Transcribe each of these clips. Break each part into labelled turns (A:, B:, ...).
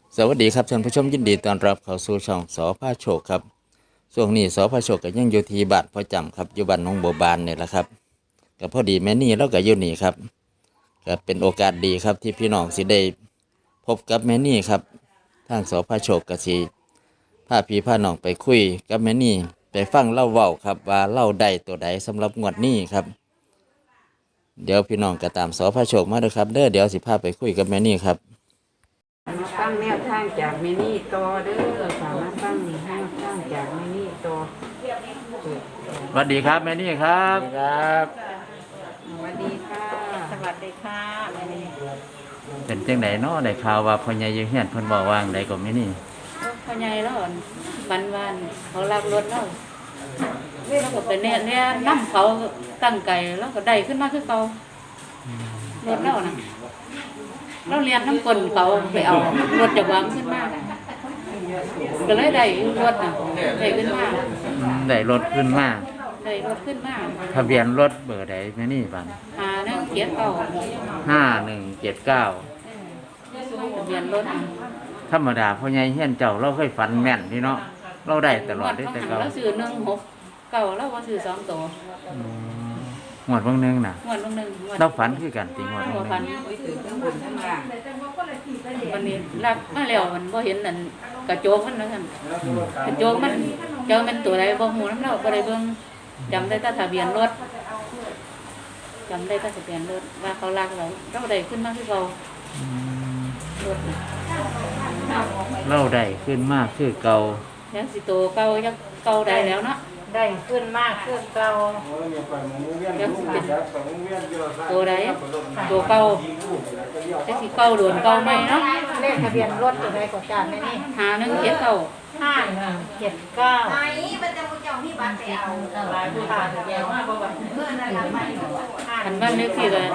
A: สวัสดีครับท่านผู้ชมยินดีต้อนรับเข้าสู่ช่องสพาโชคครับช่วงนี้สพาโชคก็ยังอยู่ที่บ้านพ่อจำครับอยู่บ้านหนองบัวบานเนี่ยแหละครับก็พอดีแม่นี่เราก็อยู่นี่ครับก็เป็นโอกาสดีครับที่พี่น้องสิได้พบกับแม่นี่ครับทางสพาโชคก็สิพาพี่พาน้องไปคุยกับแม่นี่ไปฟังเล่าเว้าครับว่าเล่าได้ตัวใดสำหรับงวดนี้ครับเดี๋ยวพี่น้องก็ตามสพาโชคมาเลยครับเดี๋ยวสิพาไปคุยกับแม่นี่ครับ
B: มาฟังแนวทางจากเมนี่ต่อเด้อค่ะมาฟังแนวทางจากเมนี่ต่อ
A: สวัสดีครับแม่นี่ครับ
C: ครับ
B: สวัสดีค่ะสวัสดีค่ะแม่นี่
A: เป็นจังไดเนาะได้ข่าวว่าพ่อใหญ่อยู่เฮียนเพิ่นบอกว่าจั่งใดก็แม่นี่
B: พ่อใหญ่แล้ววันเขาลักรถแล้วแล้วก็ไปเนี่ยน้ำเขาตั้งไก่แล้วก็ได้ขึ้นมาคือเขารถแล้วนะเราเรียนน้ำกลเขาไปเอารถจากวางขึ้นมาก็เลยได้รถนะได้ขึ้นมา
A: ได้รถขึ้นมา
B: ได้รถขึ้นมา
A: ทะเบียนรถเบอร์ใดแม่นี่บัด
B: นั่งเขียนเก่า
A: 5179
B: ทะเบียนรถ
A: ธรรมดาพ่อใหญ่เฮียนเจ้าเราเคยฝันแม่นนี่เนาะเราได้ตลอดได้แต่เก่า
B: แล้วซื้อ1 6 เก่าแล้วว่าซื้อ2 ตัว
A: งวดเบิ่งหนึงน่ะ
B: งวดลงหนึ่งงวด
A: เราฝันคือกันติงวดเบิ่ง
B: หัว
A: หนึ
B: พัน
A: ง
B: วันนี้รับมาแล้วมันบ่เห็นนั่นกระโจกมันนะท่านกระโจกมันเจ้ามันตัวใดบ่ฮู้นำเราบ่ได้เบิ่งจำได้แต่ทะเบียนรถจำได้แต่ทะเบียนรถว่าเขาลักเราได้ขึ้นมาคือเขารถน่ะ
A: เราได้ขึ้นมาคือเก่า
B: ยังสิโตเก่ายังเก่าได้แล้วเนาะ
D: ได้ขึ้นมากขึ้นเก่า
B: ยังสิเป็นตัวใดตัวเก่าจักสิเก่าโดนเก่าใหม่เนาะ
D: เลขทะเบียนรถตัวใดกว่ากันไหมนี่
B: 5179
D: 5179
E: มันจะมุจองที่บ้านไปเอา
D: หลายผู้ผ่านแย่มากบ่ว่า
E: เพื่อนอะไรไม่รู้
B: คันบ้านเลขที่ก็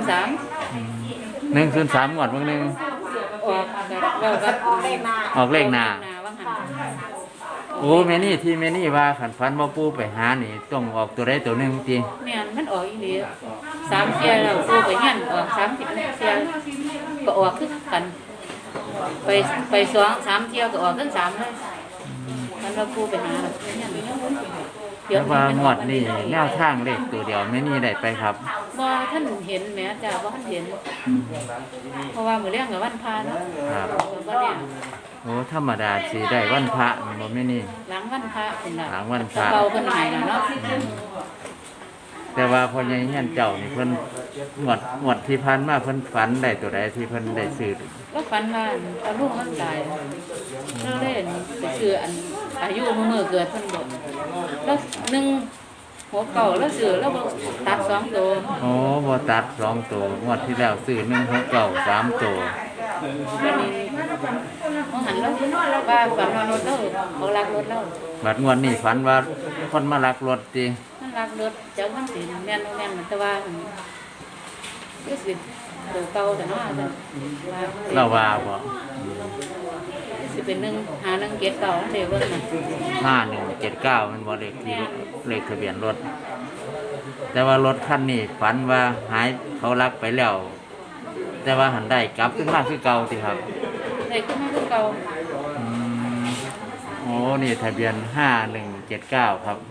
B: 103
A: 103งวดเบิ่งหนึง
B: ออกแบบว่ากับ
D: ออกเลขมา
A: ออกเลขหน้า
B: ว่าหัน
A: โอ้แม่นี่ที่แม่นี่ว่าขันฝันบ่ปู่ไปหานี่ต้องออกตัวใดตัวหนึงติ
B: เนี่ยมันออกอีหลี3 เที่ยแล้วกูไปเฮียนออก30 เที่ยก็ออกคือกันไป2 3 เที่ยก็ออกทั้ง3เลยมันว่ากูไปหาเฮียน
A: แต่ว่างวดนี่แนวทางเลขตัวเดียวแม่นี่ได้ไปครับ
B: บ่ท่านเห็นแหม่จ้าบ่ท่านเห็น เพราะว่ามื้อเรื่องกับวันพาเนาะ
A: ครับ
B: บ่เนี่ย
A: โอ้ธรรมดาสิได้วันพระแม่นบ่แม่นี่
B: หลังวันพระพุ่นน่ะ
A: หลังวันพระ
B: เบาเพิ่นให้น่ะเนาะ
A: แต่ว่าพ่อใหญ่เฮียนเจ้านี่เพิ่นงวดที่ผ่านมาเพิ่นฝันได้ตัวใดที่เพิ่นได้ซื้อ
B: แล้วฝันว่าตาลูกมันตายแล้วเล่นไปซื้ออันอายุมื้อเกิดเพิ่นบ่แล้ว1 6 9แล้วซื้อแล้วบ่ตัด2ตัว
A: โอ้บ่ตัด2ตัวงวดที่แล้วซื้อ169 3ตัว
B: วันนี้มองหันแล้วว่าฝันว่ารถเราเขาลักรถเรา
A: บัดงวดนี้ฝันว่าคนมาลักรถติ
B: มันลักรถเจ้ามันสิแม่นบ่แม่นมันแต่ว่าคือสิตัวเก่าแต่เนาะว่า
A: เราว่าบ่
B: สิเป็น1 5 1 7 9เด้เบิ่งน่ะ
A: 5179มันบ่เลขทะเบียนรถแต่ว่ารถคันนี้ฝันว่าหายเขาลักไปแล้ว แต่ว่าหันได้กลับขึ้นมาคือเก่าติครับ
B: ได้ขึ้นมาคือเก่า
A: อืมโอ้นี่ทะเบียน5179ครับ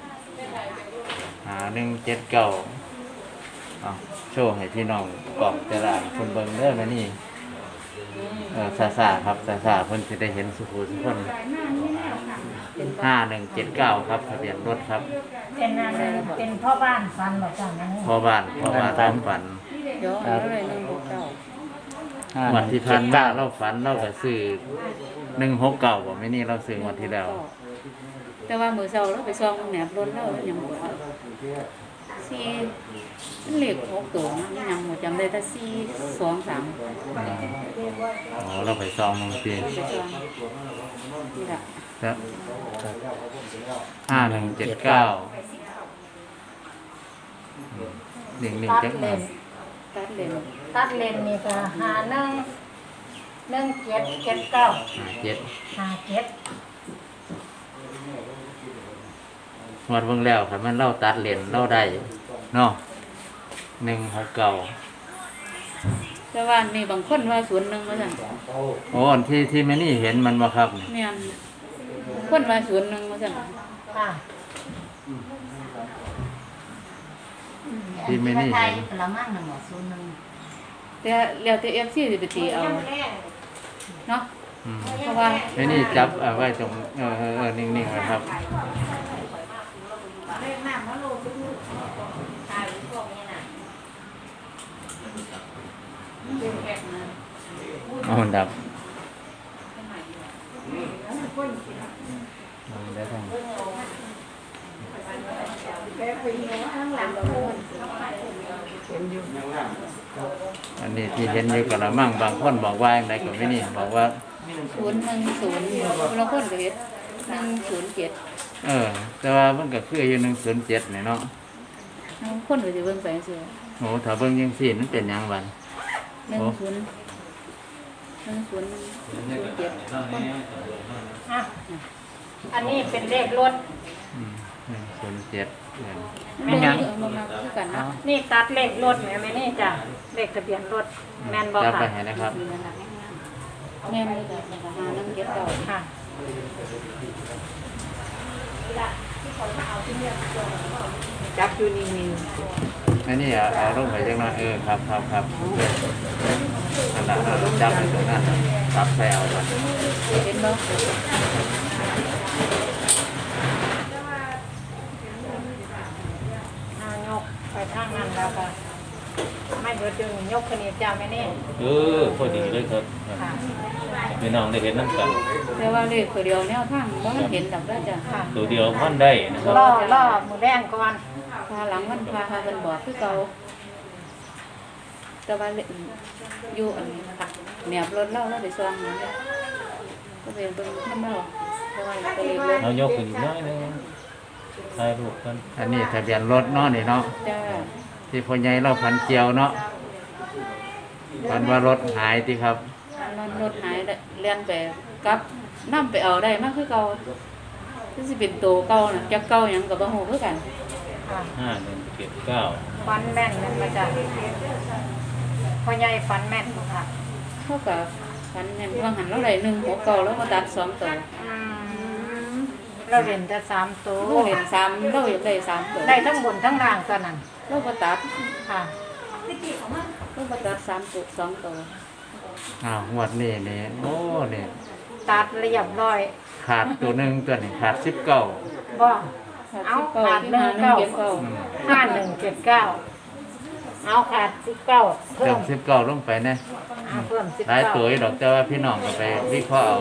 A: 5179เอาโชว์ให้พี่น้องกล่องแต่ละคนเบิ่งเด้อแม่นี่ซ่าๆครับซ่าๆเพิ่นสิได้เห็นสุขุสุคน5179ครับทะเบียนรถครับ
D: เป็นอะไรเป็นพ่อบ้านฟันหรอจ้ะแม่นี่
A: พ่อบ้านความฝัน
B: เดี๋ยวเอาเลย1 6 9
A: วันที่ผ่านมาเราฝันเราก็ซื้อ169บ่แม่นี่เราซื้องวดที่แล้ว
B: แต่ว่ามื้อเช้าเราไปซ่อมแหนบรถเรายังบ่สี่มันเลข6ตัวมันยังบ่จำได้แต่4 2 3
A: อ๋อเราไปซองบางที
B: ไปซ่อมนี่ล่ะ
A: ครับ5179หนึ่ง
D: ตัด
A: จัก
D: เล
A: มาน
B: ตัดเลน
D: ตัดเลนนี่ก็51 17 79
A: 7
D: 57
A: งวดเบิ่งแล้วครับมันเล่าตัดเลนเล่าได้เนาะ169
B: แต่ว่านี่บางคนว่าศูนย์หนึ่งว่าซั่น
A: โอ้อันที่แม่นี่เห็นมันบ่ครับ
B: แม่นคนว่าศูนย์หนึ่งว่าซั่น
D: ค่ะ
A: ที่แม่นี่
E: ไท
A: เห็
E: ย
A: น
E: ละมั่งน่ะหมอศูนย์หนึ่ง
B: แต่แล้วแต่ FC สิไปตีเอาเนาะ
A: อืม
B: เพราะว่า
A: แม่นี่จับเอาไว้ตรงนิ่งๆไว้ครับ
E: เลขน้ำมันโลทุกตายพวกนี้น่ะ
A: เอาดับได้ทั้งอันนี้ที่เห็นอยู่กะละมังบางคนบอกว่าอย่างไรก็ไม่นี่บอกว่า
B: 010คนละคนก็เฮ็ด107
A: แต่ว่ามันก็คืออยู่107นี่เนาะ
B: บางคนก็สิเบิ่งไปจังซี่
A: โอ้ถ้าเบิ่งจังซี่มันเป็นหยังบัด
B: 1007
D: อ่ะอันนี้เป็นเลขรถ
A: 107
B: มีหยังมาคือกันเนาะ
D: นี่ตัดเลขรถแม่นี่จ้ะเลขทะเบียนรถแม่นบ่
A: จับไป
D: ค่ะ
A: ให้นะครับ
B: แม่นเลยจ้ะหาน้ำเก็บเก่า
D: ค่ะ จับอยู่นี่
A: อันนี้เอาลงไปจังหน่อยครับอันนั้นเราจับไปตรงนั้นจับไปเอาก่อน
B: เห็นบ่
D: ยกไปทางนั้นแล้วค่ะไม่เบิดดึงยกขึ้นอีกจ้าแม่นี่
C: พอดีเลยครับ
D: ค่ะ
C: พี่น้องได้เห็นน้ำกัน
B: แต่ว่าเลขตัวเดียวแนวทางบ่ทันเห็นดอกเด้อจ้ะ
D: ค่ะ
C: ตัวเดียวพันได้นะครับ
D: ล่อมือแรงก่อน
B: พาหลังมันพาเพิ่นบอกคือเก่าแต่ว่าอยู่อันนี้ค่ะแนบรถเราไปซ่องนั่นก็เป็นเบิ่งนำเราเพราะว่าตัวเลขรถ
C: เอายกขึ้นอีกน้อยหนึงถ่ายรูปกัน
A: อันนี้ทะเบียนรถเนาะนี่เนาะ
B: จ้า
A: ที่พ่อใหญ่เราพันเจียวเนาะพันว่ารถหายที่ครับ
B: รถหายเลียนไปกลับนำไปเอาได้มาคือเก่าคือสิเป็นตัวเก่าน่ะจักเก่าหยังก็บ่ฮู้คือกัน
D: ค่ะ
C: 5179
D: ฟันแม่นแม่นมาจ้ะพ่อใหญ่ฟันแม่นบ่ค่ะ
B: เท่ากับฝันเห็นว่าหันเราได้169แล้วก็ตัด2ตัว
D: เราเห็นแต่3ตัว
B: เราเห็น3เราอยากได้3ตัว
D: ได้ทั้งบนทั้งล่างตอนนั้น
B: เราก็ตัด
D: ค่ะ
B: เราก็ตัด3ตัว2ตัว
A: งวดนี้นี่โอ้นี่
D: ตัดเรียบร้อย
A: ขาดตัวหนึ่งตัวนี้ขาด19
D: บ่
B: เอา
D: ขาด
B: หา
D: 19
B: 179
D: 5179เอาขาด19เพิ่
A: เติ
D: ม
A: ม19ลงไปนะ
D: เอาเพิ่ม
A: หลายตัว
D: 19
A: อยู่ดอกแต่ว่าพี่น้องก็ไปวิเคราะห์เอา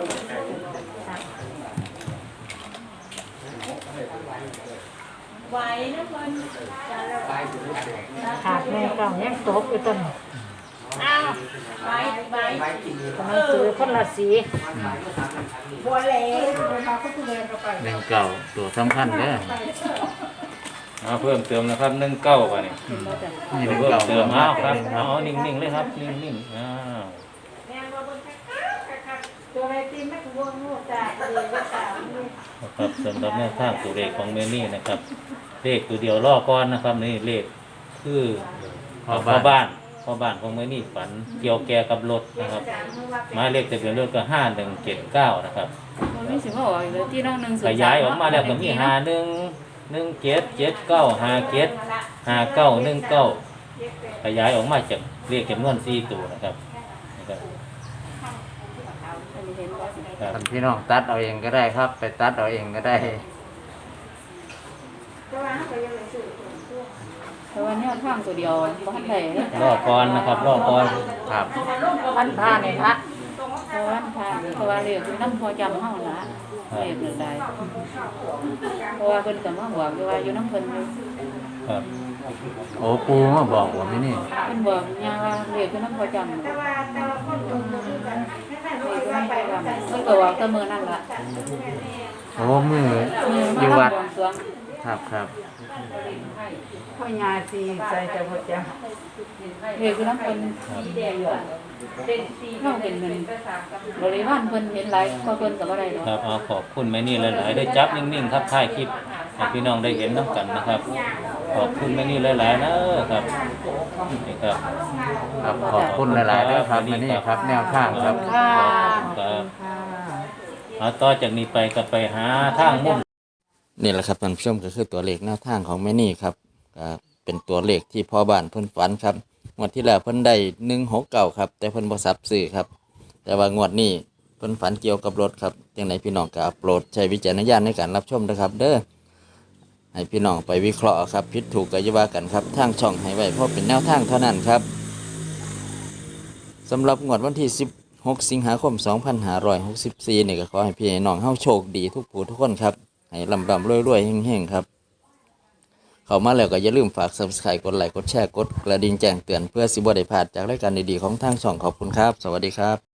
D: ขาด19ยังตกอยู่ต้นอ้าวกำลังซื้อคนละสี
A: 19ตัวสำคัญเด้อ
C: เอาเพิ่มเติมนะครับ19ป่ะนี่
B: เห็นบ่จ้ะ
A: นี่
C: เพิ่ม
A: 19
C: เติมเอาครับ
A: ครั
C: เอา
A: บ
C: นิ่งๆเลยครับนิ่งๆนะครับสำหรับแนวทางตัวเลขของเมนี่นะครับเลขตัวเดียวล่อก้อนนะครับนี่เลขคือพ่อบ้านของเมนี่ฝันเกี่ยวแก่กับรถนะครับหมายเลขทะเบียนรถก็5179นะครับ
B: มันมีสิมาออกอีกแล้วที่น้อง103
C: ขยายออกมาแล้วก็มี5117755919ขยายออกมาจากเลขจำนวน4ตัวนะครับนะครับ
B: อันนี้เห็นบ่
C: ครับ
A: ท่านพี่น้องตัดเอาเองก็ได้ครับ ไปตัดเอาเองก็ได้
B: แต่ว่าแนวทางตัวเดียวบ่ทันได้เด้อ
C: รอก่อนนะครับรอก่อน
A: ครับ
D: วันพาเนี่ยละ
B: เพราะว่าเรียกคือน้ำพอจำเฮาล่ะเรียกเรื่องใดเพราะว่าเพิ่นก็มาบอกอยู่ว่าอยู่น้ำเพิ่นอยู่
C: ครับ
A: โอ้ปูมาบอกว่าไม่นี่
B: เพิ่นบอกย่าว่าเรียกคือน้ำพอจำเรียกคือน้ำพอจำเพิ่นก็บอกแต่มื้อนั้นล่ะ
A: โอ้มือ
B: มื้อ
A: อ
B: มา
A: ยู่วัด
B: บวงสรวง
A: ครับ
D: พ่อยาสีใส่จะหมดจ้ะ
B: เรียกคือน้ำเพิ่นเราเป็นเงินบริวารเพิ่นเห็นหลายก็เพิ่นก็บ่ได้ดอก
C: ครับเอาขอบคุณแม่นี่หลายๆได้จับนิ่งๆครับถ่ายคลิปให้พี่น้องได้เห็นน้ำกันนะครับขอบคุณแม่นี่หลายๆนะครับนี่ครับ
A: ครับขอบคุณหลายๆด้วยครับแม่นี่ครับแนวทางครับ
D: ค่ะ
C: ครับ
D: ค่ะ
C: เอาต่อจากนี้ไปก็ไปหาทางมุ่น
A: นี่แหละครับท่านผู้ชมก็คือตัวเลขแนวทางของแม่นี่ครับก็เป็นตัวเลขที่พ่อบ้านเพิ่นฝันครับงวดที่แล้วเพิ่นได้169ครับแต่เพิ่นบ่ซับซื้อครับแต่ว่างวดนี้เพิ่นฝันเกี่ยวกับรถครับจังไดพี่น้องก็โปรดใช้วิจารณญาณในการรับชมนะครับเด้อให้พี่น้องไปวิเคราะห์ครับผิดถูกก็อย่าว่ากันครับทางช่องให้ไว้เพราะเป็นแนวทางเท่านั้นครับสำหรับงวดวันที่16 สิงหาคม 2564นี่ก็ขอให้พี่น้องเฮาโชคดีทุกผู้ทุกคนครับให้ร่ำๆรวยๆเฮงๆครับเข้ามาแล้วก็อย่าลืมฝาก Subscribe กดไลค์กดแชร์กดกระดิ่งแจ้งเตือนเพื่อสิบ่ได้พลาดจากรายการดีๆของทางช่องขอบคุณครับสวัสดีครับ